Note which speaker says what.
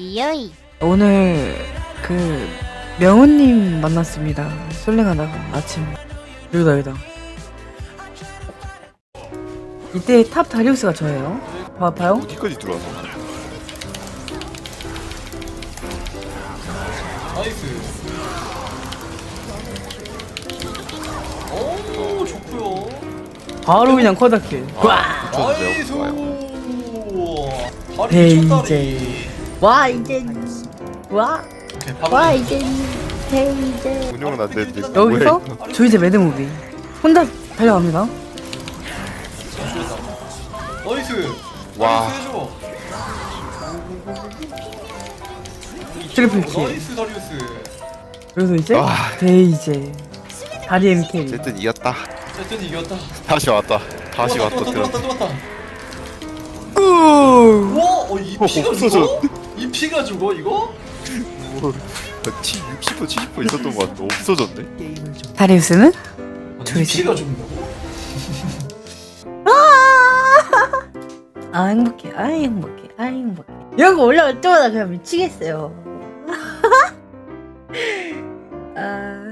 Speaker 1: 리어이.
Speaker 2: 오늘 그 명훈님 만났습니다. 솔랭하다가 아침. 여기다. 이때 탑 다리우스가 저예요. 봐요?
Speaker 3: 어디까지 들어와서?
Speaker 4: 나이스. 오, 좋고요.
Speaker 2: 바로 그냥 커다킬.
Speaker 3: 와,
Speaker 4: 나이스.
Speaker 3: 좋아요.
Speaker 4: 다리
Speaker 2: 네,
Speaker 4: 미쳤다리.
Speaker 2: 와 이제 와
Speaker 4: 오케이, 바로
Speaker 2: 이제 이제
Speaker 3: 운영은 안 되는데.
Speaker 2: 여기서
Speaker 3: 뭐야, 이거?
Speaker 2: 저 이제 매드무비 혼자 달려갑니다.
Speaker 4: 나이스.
Speaker 3: 와.
Speaker 4: 나이스 해줘.
Speaker 2: 트리플 킬.
Speaker 4: 나이스 다리우스.
Speaker 2: 그래서 이제
Speaker 3: 와.
Speaker 2: 데이제 다리 MK.
Speaker 3: 어쨌든 이겼다.
Speaker 4: 어쨌든 이겼다.
Speaker 3: 다시 왔다. 다시
Speaker 4: 또
Speaker 3: 왔다.
Speaker 4: 왔다, 또 왔다,
Speaker 3: 들어.
Speaker 4: 또 왔다.
Speaker 2: 우.
Speaker 4: 와, 이 피가
Speaker 3: 없어져.
Speaker 4: 죽어? 이 피가 죽어 이거?
Speaker 3: 티 60% 70% 있었던 것 같아. 없어졌네.
Speaker 2: 다리우스는
Speaker 4: 이
Speaker 2: 조이스.
Speaker 4: 피가 죽는다고?
Speaker 2: 아 행복해. 아 행복해. 아 행복해. 이런 거 올라올 때마다 그냥 미치겠어요. 아.